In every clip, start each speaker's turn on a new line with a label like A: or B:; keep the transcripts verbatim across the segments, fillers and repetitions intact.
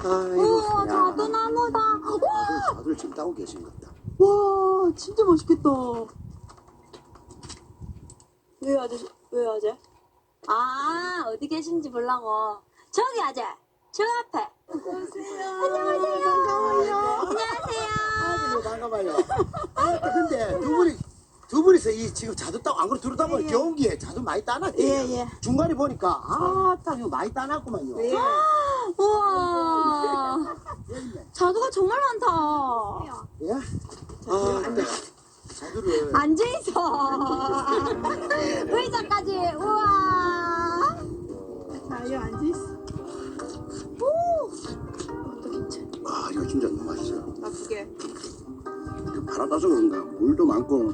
A: 아이고,
B: 우와,
A: 야.
B: 자두나무다.
A: 자두, 자두를 지금 따고 계신 것 같다.
B: 와, 진짜 맛있겠다. 왜 아저씨, 왜 아재? 아, 어디 계신지 보려고. 저기 아재, 저 앞에. 안녕하세요. 안녕하세요.
A: 반가워요.
B: 안녕하세요.
A: 아이고, 반가워요. 아, 근데 두 분이, 두 분이서 이 지금 자두 따고 안 그래 들어다 보니 경기에 자두 많이 따놨대요.
B: 예, 예.
A: 중간에 보니까 아, 딱 이거 많이 따놨구만요.
B: 예. 우와, 자두가 정말 많다.
A: 예? 아, 근데 자두를
B: 앉아있어. 의자까지. 우와. 자, 여기 앉아있어. 오, 또 괜찮아.
A: 아, 이거 진짜 너무 맛있어요.
B: 나쁘게.
A: 바로 따서 그런가 물도 많고.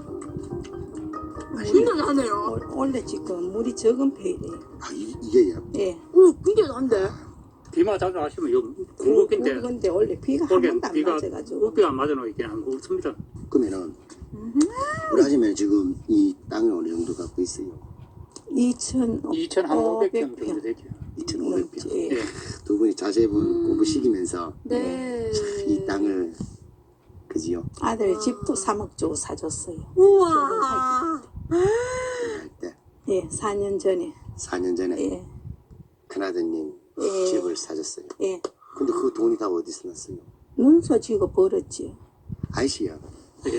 B: 진짜 나네요.
C: 원래 지금 물이 적은 편이에요.
A: 아, 이, 이게요.
C: 예.
B: 오, 근데 난데.
D: 비만 자주 하시면 요 굵은데
C: 근데 원래 비가 한
D: 그렇게
C: 번도 안
D: 비가
C: 맞아가지고.
D: 우비가 안 맞아 놓이긴 안 굵습니다.
A: 그러면은 우리 아줌마 지금 이 땅을 어느 정도 갖고 있어요?
D: 이천오백 평 정도 되죠.
A: 이천오백 평.
C: 예.
D: 예.
A: 두 분이 자제분 공부시키면서
B: 네.
A: 이 땅을 그지요?
C: 아들 집도 삼억 주고 사줬어요.
B: 우와.
A: 할 때
C: 예, 사 년 전에.
A: 사 년 전에
C: 예,
A: 큰아드님
C: 예.
A: 집을 사줬어요.
C: 예.
A: 근데 그 돈이 다 어디서 났어요?
C: 문서 지고 벌었지.
A: 아저씨야.
D: 예.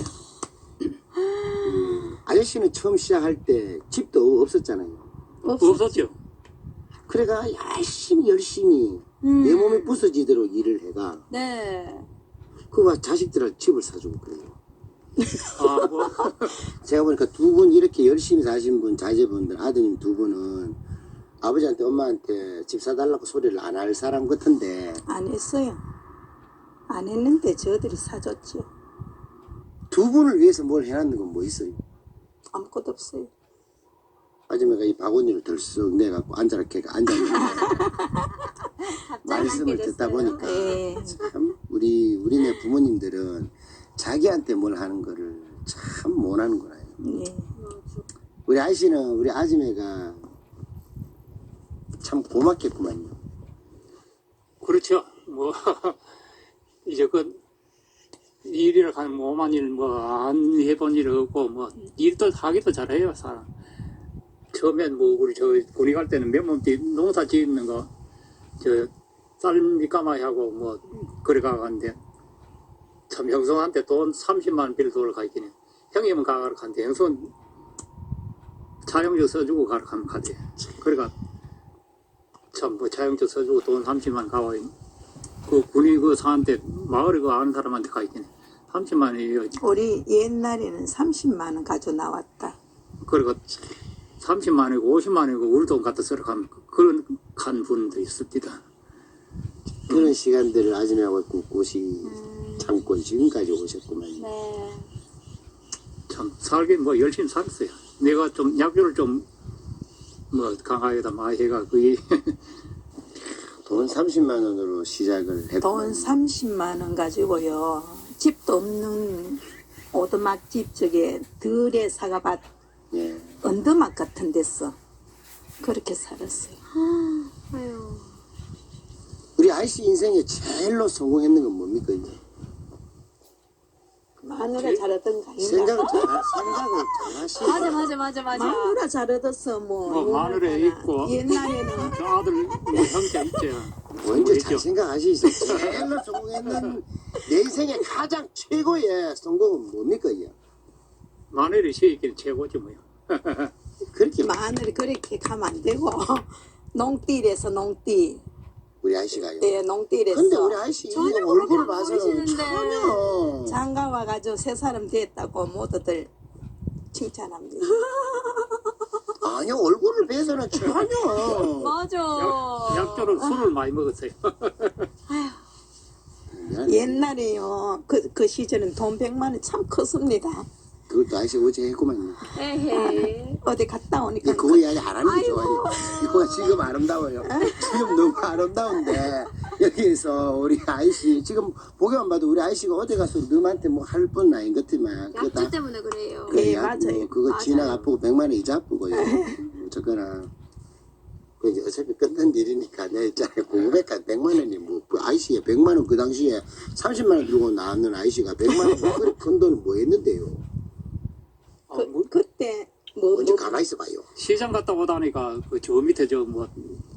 A: 아저씨는 처음 시작할 때 집도 없었잖아요.
D: 없었죠.
A: 그래가 열심히 열심히 내 몸이 부서지도록 일을 해가
B: 네.
A: 그와 자식들한테 집을 사주고 그래요.
D: 아, 뭐
A: 제가 보니까 두 분 이렇게 열심히 사신 분, 자제분들, 아드님 두 분은 아버지한테 엄마한테 집 사달라고 소리를 안 할 사람 같은데
C: 안 했어요. 안 했는데 저들이 사줬지.
A: 두 분을 위해서 뭘 해놨는 건 뭐 있어요?
C: 아무것도 없어요.
A: 아줌마가 이 바구니를 덜썩 내갖고 앉아라 걔가 앉았는데 말씀을 듣다 보니까
C: 예.
A: 참 우리 우리네 부모님들은 자기한테 뭘 하는 거를 참 못하는구나.
C: 예.
A: 우리 아저씨는 우리 아줌마가 참 고맙겠구만요.
D: 그렇죠. 뭐 이제 그 일이라 하는 뭐만 일 뭐 안 해본 일 없고 뭐 일도 하기도 잘해요 사람. 처음엔 뭐 우리 저 군이 갈 때는 맨몸띠 농사 짓는 거 저 쌀 밑가마이 하고 뭐 그래 가는데 참 형성한테 돈 삼십만 원 빌 돈을 가있긴 해. 형님은 가가라 간대. 형성 차용주 써주고 가라 하면 가대. 그래가 참 뭐 차용주 써주고 돈 삼십만 원 가와 그 군이 그 사한테 마을에 그 아는 사람한테 가있긴 해. 삼십만 원이요.
C: 우리 옛날에는 삼십만 원 가져 나왔다.
D: 그리고 삼십만 원이고 오십만 원이고 우리 돈 갖다 쓰러 가면 그런 간 분도 있습니다.
A: 그런 시간들을 아줌마하고 꿋꿋이 참고 지금까지 오셨구만.
B: 네.
D: 참 살긴 뭐 열심히 살았어요. 내가 좀 약주를 좀 뭐 강하게다 많이 해가 그게
A: 돈 삼십만 원으로 시작을 했고
C: 돈 삼십만 원 가지고요. 집도 없는 오두막집 저게 들에 사과밭
A: 예.
C: 언더막 같은 데서 그렇게 살았어요.
B: 아유.
A: 우리 아저씨 인생에 제일로 성공했는 건 뭡니까? 이제?
C: 마누라 잘 얻던가
A: 생각을 잘 생각을 잘 하시고
B: 맞아, 맞아, 맞아, 맞아.
C: 마누라 잘 얻었어 뭐.
D: 뭐 마늘에 있고
C: 옛날에는
D: 저 아들 뭐 형제 있죠.
A: 먼저 잘 생각하시죠. 제일로 성공했는 내 인생의 가장 최고의 성공은 뭡니까? 이게?
D: 마늘이 시기는 최고지 뭐요.
A: 그렇게
C: 마늘이 그렇게 가면 안 되고 농띠에서 농띠.
A: 우리 아저씨가요.
C: 예, 농띠에서.
A: 근데 우리 아저씨
B: 전혀
A: 이거
B: 그렇게
A: 얼굴을
B: 안
A: 봐서는
B: 보이시는데.
A: 전혀
C: 장가 와가지고 세 사람 됐다고 모두들 칭찬합니다.
A: 아니요 얼굴을 봐서는 전혀
B: 맞아.
D: 약, 약조는 술을 많이 먹었어요.
A: 미안해.
C: 옛날에요. 그, 그 시절은 돈 백만 원 참 컸습니다.
A: 그것도 아저씨 어제 했구만요.
B: 에헤.
C: 어디 갔다 오니까
A: 예, 그거 이야기 안 하는 게 좋아요. 이거가 지금 아름다워요. 지금 너무 아름다운데 여기에서 우리 아이씨 지금 보기만 봐도 우리 아이씨가 어디 가서 너한테 뭐 할 뻔 아닌 것 같지만 그거
B: 약주
A: 다
B: 때문에 그래요.
A: 그
C: 예,
A: 약,
C: 맞아요.
A: 뭐 그거
B: 맞아요.
A: 지나 아프고 백만 원 이자 아프고요. 어쨌거나 그 이제 어차피 끝난 일이니까 내 있잖아요. 구백까지 백만 원이 뭐, 그 아이씨에 백만 원 그 당시에 삼십만 원 들고 나왔는 아이씨가 백만 원 그리 큰 돈을 뭐 했는데요.
D: 아,
C: 그,
D: 뭐,
C: 그때 뭐,
A: 언제
C: 뭐
A: 가만히 있어봐요.
D: 시장 갔다 오다니까 그 저 밑에 저 뭐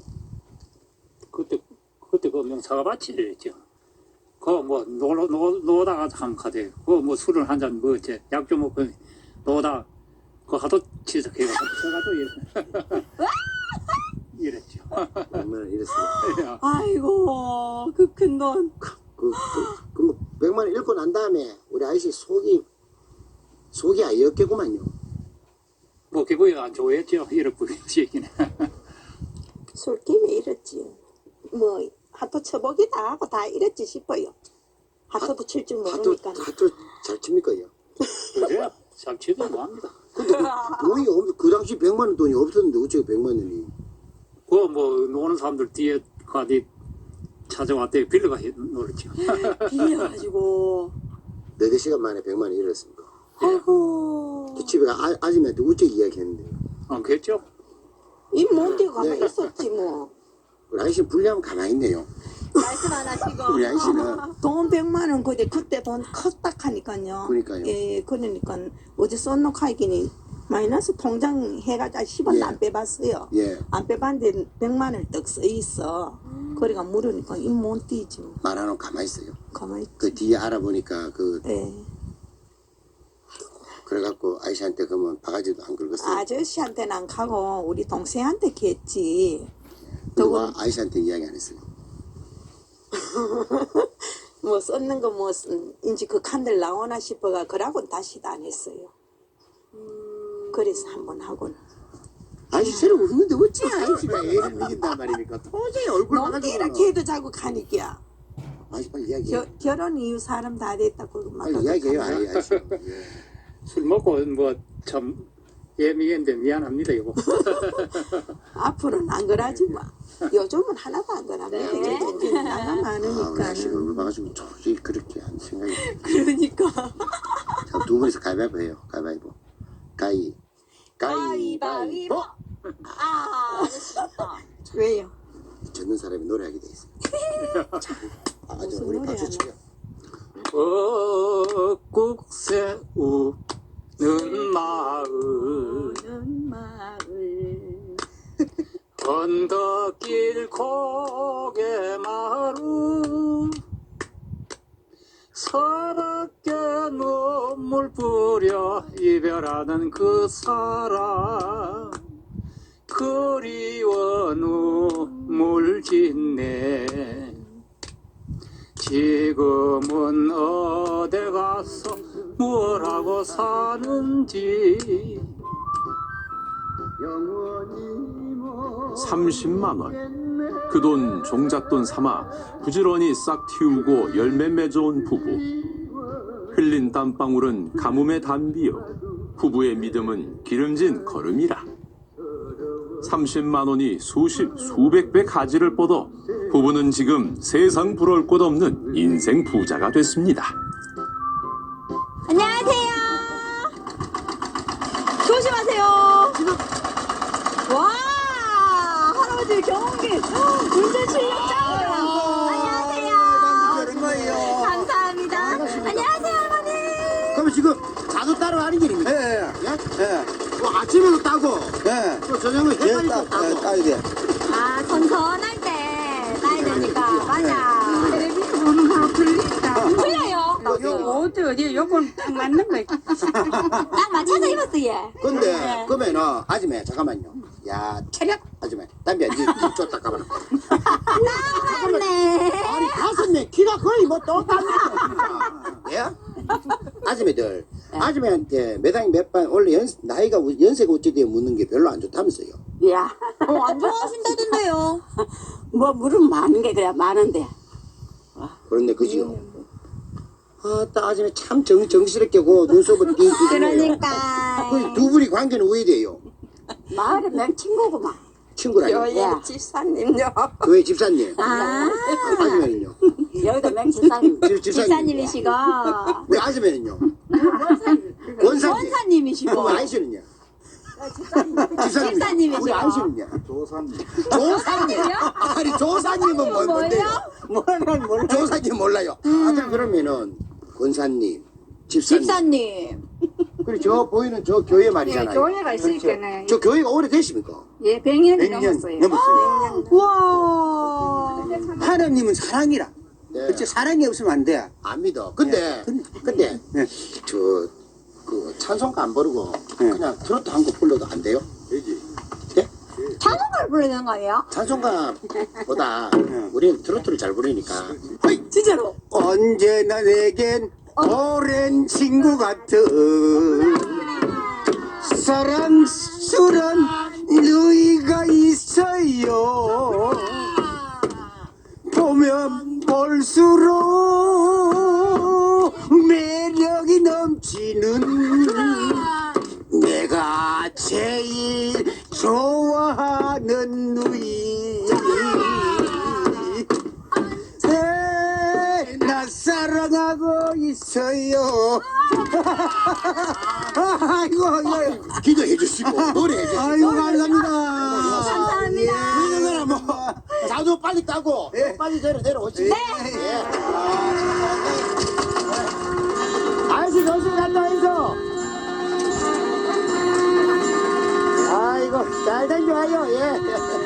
D: 그때 그때 그 명사가 밭이랬죠. 그뭐 놀러 노 노다가 한 카드. 그뭐 술을 한 잔 뭐지 약 좀 먹고 노다 그 하도 치석해가 저가도 이랬죠.
A: 백만 원 이랬어요.
C: 아이고 그 큰 돈.
A: 그, 그, 그, 뭐 백만 원 잃고 난 다음에 우리 아이씨 속이, 속이 아이였겠구만요.
D: 뭐 기분이 안 좋아했죠. 이럴 뿐이지기는.
C: 술김에 이랬지. 뭐 하도 처먹이다 하고 다 이랬지 싶어요. 하도도 칠 줄
A: 하도,
C: 모르니까.
A: 하도 잘 칩니까요?
D: 그래요. 잘 치도 뭐합니다.
A: 근데 그 돈이 없, 그 당시 백만 원 돈이 없었는데 어째 백만 원이.
D: 그 뭐 노는 사람들 뒤에 가디 찾아왔대 빌려가 놀았죠.
C: 빌려가지고.
A: 네대 시간 만에 백만 원 잃었습니다.
C: 아이고.
A: 그 집에 아, 아줌마한테 우째 이야기했는데.
D: 안 그랬죠?
C: 입못 대고 가만히
A: 네.
C: 있었지 뭐.
A: 우리 아이씨는 불리하면 가만히 있네요.
B: 말씀 안 하시고.
A: 우리 아이씨는.
C: 돈 백만 원 그때 그때 돈 컸다 하니까요.
A: 그러니까요.
C: 예, 그러니까 어제 쏜노 카이기니 마이너스 통장 해가지고 십 원도
A: 예.
C: 안 빼봤어요.
A: 예.
C: 안 빼봤는데 백만 원 떡 써 있어. 그러니까 물으니까 입 못 띄지 뭐.
A: 말하는 가만히 있어요.
C: 가만히 있지.
A: 그 뒤에 알아보니까 그,
C: 예.
A: 그래갖고 아이씨한테 그러면 바가지도 안 긁었어요.
C: 아저씨한테는 안 가고 우리 동생한테 했지.
A: 그리고
C: 저건-
A: 아이씨한테 이야기 안 했어요.
C: 뭐 썼는 거 뭐 인지 그 칸들 나오나 싶어가 그러고는 다시도 안 했어요. 그래서 한번 하고는.
A: 아이씨 새로 웃는데 어찌 아이씨가 애를 먹인단 말입니까? 도저히 얼굴
C: 너무
A: 봐가지고.
C: 이렇게 해도 자꾸 가니까.
A: 아이씨 빨리 이야기해.
C: 겨, 결혼 이후 사람 다 됐다고 막
A: 빨리 이야기해요 아이, 아이씨. 예.
D: 술 먹고 뭐 참 예민했는데 미안합니다 이거.
C: 앞으로는 안 그러지 마. 요즘은 하나도 안 그러네.
B: 네.
C: 이제 나가
A: 아, 우리
C: 많으니까.
A: 아이씨가 얼굴 봐가지고 도저히 그렇게 한 생각이.
C: 그러니까.
A: 자, 두 분이서 가위바위보 해요. 가위바위보. 가위.
B: 가위바위보. 아, 아저씨 좋다.
C: 왜요?
A: 젖는 사람이 노래하게 돼 있어요. 자, 아, 저
C: 무슨
A: 우리
C: 노래
A: 박수
C: 하나?
A: 치려.
D: 벚국 새우는 마을
C: 오는 마을.
D: 언덕길 고개 마루 서럽게 눈물 뿌려 이별하는 그 사람 그리워 눈물 짓네 지금은 어디 가서 뭘 하고 사는지
E: 삼십만 원. 그 돈 종잣돈 삼아 부지런히 싹 틔우고 열매 맺어온 부부. 흘린 땀방울은 가뭄의 단비요. 부부의 믿음은 기름진 걸음이라. 삼십만 원이 수십, 수백 배 가지를 뻗어 부부는 지금 세상 부러울 것 없는 인생 부자가 됐습니다.
B: 안녕하세요. 조심하세요. 와, 할아버지 경운기 운전 실력 짱이야. 안녕하세요. 감사합니다. 안녕하세요, 할머니.
A: 그러면 지금 자도 따로 하는 길입니까?
F: 예, 예,
A: 예?
F: 예,
A: 뭐 아침에도 따고
F: 예.
A: 또 저녁에
F: 예,
A: 해까지도
F: 따, 예,
A: 따고.
F: 따야 돼.
B: 아, 선선할 때 따야 되니까. 맞아.
G: 텔레비전 보는 거하고 틀리다.
B: 틀려요.
G: 요 옷도 어디 요건 딱 맞는 거야.
B: 딱 맞춰서 입었어, 얘.
A: 근데 그러면은 아줌마 잠깐만요. 야 체력 아줌마 담배 이제 쫓다 가봐라.
B: 맞네.
A: 아니 다섯 명 키가 거의 뭐 똑같네. 예? 아줌마들 아줌마한테 매당이 몇 반 원래 연 나이가 연세가 어찌되어 묻는 게 별로 안 좋다면서요.
G: 야,
B: 어, 안 좋아하신다던데요.
G: 뭐 물은 많은 게 그래 많은데.
A: 그런데 그지요. 아따 아줌마 참 정, 정스럽게 고 눈썹을 띵띵.
B: 그러니까.
A: 두 분이 관계는 왜 돼요?
G: 마을에 내 친구구만.
A: 친구라요.
C: 교회 집사님요.
A: 교회 집사님.
B: 아,
A: 아줌마는요?
G: 여기도 맹치사님.
A: 집, 집사님.
B: 집사님이시고.
A: 우리 아줌마는요? 권사님.
B: 원사님이시고.
A: 그럼 아이씨는요? 집사님.
B: 집사님이시죠?
A: 우리 아이씨는요?
F: 조사님.
A: 조사님. 아니 조사님은 뭐, 뭔데요?
F: 뭐는 몰라.
A: 조사님 몰라요. 아들 그러면은 권사님, 집사님.
B: 집사님.
A: 그리고 저 보이는 저 교회 말이잖아요.
G: 예, 교회가 있으니까는
A: 저 교회가 오래되십니까?
G: 예, 백 년이
F: 백 년
G: 넘었어요.
F: 넘었어요.
B: 우와.
F: 하나님은 사랑이라.
A: 네.
F: 그치 사랑이 없으면 안 돼.
A: 안 믿어. 근데 근데
F: 네.
A: 저 그 찬송가 안 부르고
F: 네.
A: 그냥 트로트 한 곡 불러도 안 돼요? 되지. 네?
B: 찬송가를 부르는 거예요?
A: 찬송가보다 우리는 트로트를 잘 부르니까.
B: 진짜로?
F: 언제나 내겐 오랜 친구 같은 사랑스런 너희가 있어요. 보면 볼수록 매력이 넘치는 내가 제일 좋아하는 누이. 네, 나 사랑하고 있어요. 아이고, 아이고,
A: 기도해 주시고 노래해 주시고.
F: 아이고, 감사합니다.
B: 감사합니다.
A: 그러면 뭐 자도 빨리 따고
F: 예.
A: 빨리 내려 내려오지.
F: 네.
A: 예. 아이씨 조심 갔다 해서. 아이고 잘 댕겨와요. 예.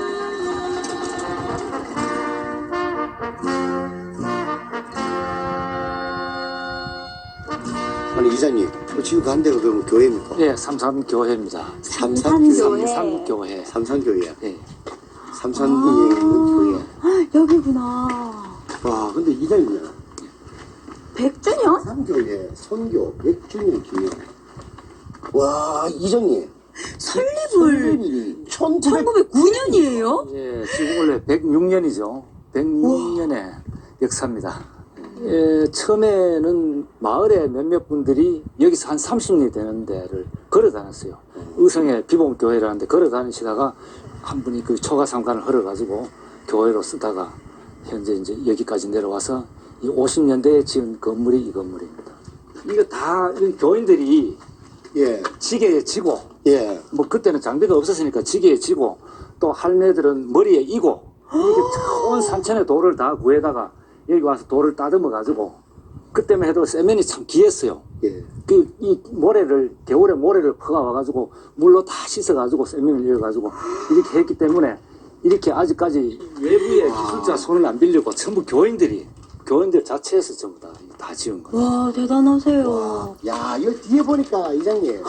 A: 아니 이사님 지금 간 데가 그러면 교회입니까?
H: 예, 삼산교회입니다.
B: 삼산교회.
H: 삼산교회.
A: 삼산교회야.
H: 예.
A: 삼산에 있는 교회.
B: 여기구나.
A: 와 근데 이사님이야.
B: 백 주년?
A: 삼교회 선교 백 주년 기념. 와 이정님.
B: 설립을
A: 설립일이 천구백.
B: 천구백구 년이에요?
H: 예, 지금 원래 백육 년이죠. 백육 년의 역사입니다. 예, 처음에는 마을에 몇몇 분들이 여기서 한 삼십 리 되는 데를 걸어 다녔어요. 의성의 비봉교회라는 데 걸어 다니시다가 한 분이 그 초가삼간을 헐어가지고 교회로 쓰다가 현재 이제 여기까지 내려와서 이 오십 년대에 지은 건물이 이 건물입니다. 이거 다 이 교인들이
A: 예.
H: 지게에 지고
A: 예.
H: 뭐 그때는 장비가 없었으니까 지게에 지고 또 할매들은 머리에 이고 이렇게 온 산천의 돌을 다 구해다가 여기 와서 돌을 따듬어 가지고 그때만 해도 세면이 참 귀했어요.
A: 예.
H: 그 이 모래를 겨울에 모래를 퍼가 와가지고 물로 다 씻어가지고 세면을 이어가지고 이렇게 했기 때문에 이렇게 아직까지 외부의 기술자 손을 안 빌리고 전부 교인들이 교인들 자체에서 전부 다 다 지은 거예요.
B: 와, 대단하세요.
A: 야, 이거 뒤에 보니까 이장님.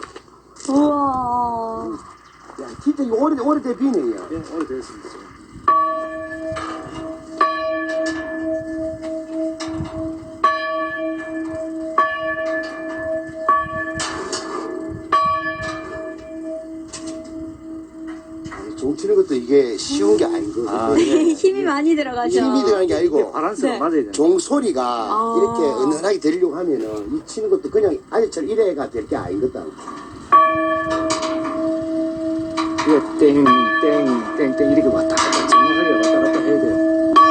B: 우와.
A: 야, 진짜 이거 오래 오래된 비네요.
H: 예, 오래됐습니다.
A: 종치는 것도 이게 쉬운 게 아니고
H: 아,
A: 이게
B: 힘이 많이 들어가죠.
A: 힘이 들어가는 게 아니고
H: 바란스가
B: 네.
H: 맞아야 돼요.
A: 종 소리가
B: 아.
A: 이렇게 은은하게 들리려고 하면은 이 치는 것도 그냥 아저처럼 이래가 될 게 아니거든.
H: 이게 땡, 땡, 땡, 땡 이렇게 왔다 갔다 정확하게 왔다 갔다 해야 돼요.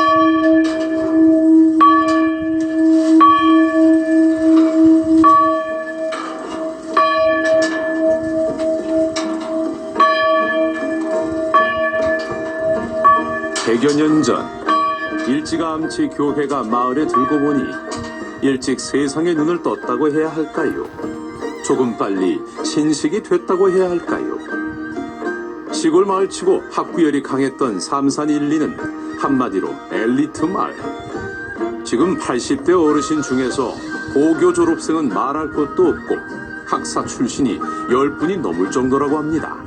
E: 백여 년 전 일찌감치 교회가 마을에 들고 보니 일찍 세상의 눈을 떴다고 해야 할까요? 조금 빨리 신식이 됐다고 해야 할까요? 시골 마을치고 학구열이 강했던 삼산 일리는 한마디로 엘리트 마을. 지금 팔십 대 어르신 중에서 고교 졸업생은 말할 것도 없고 학사 출신이 열 분이 넘을 정도라고 합니다.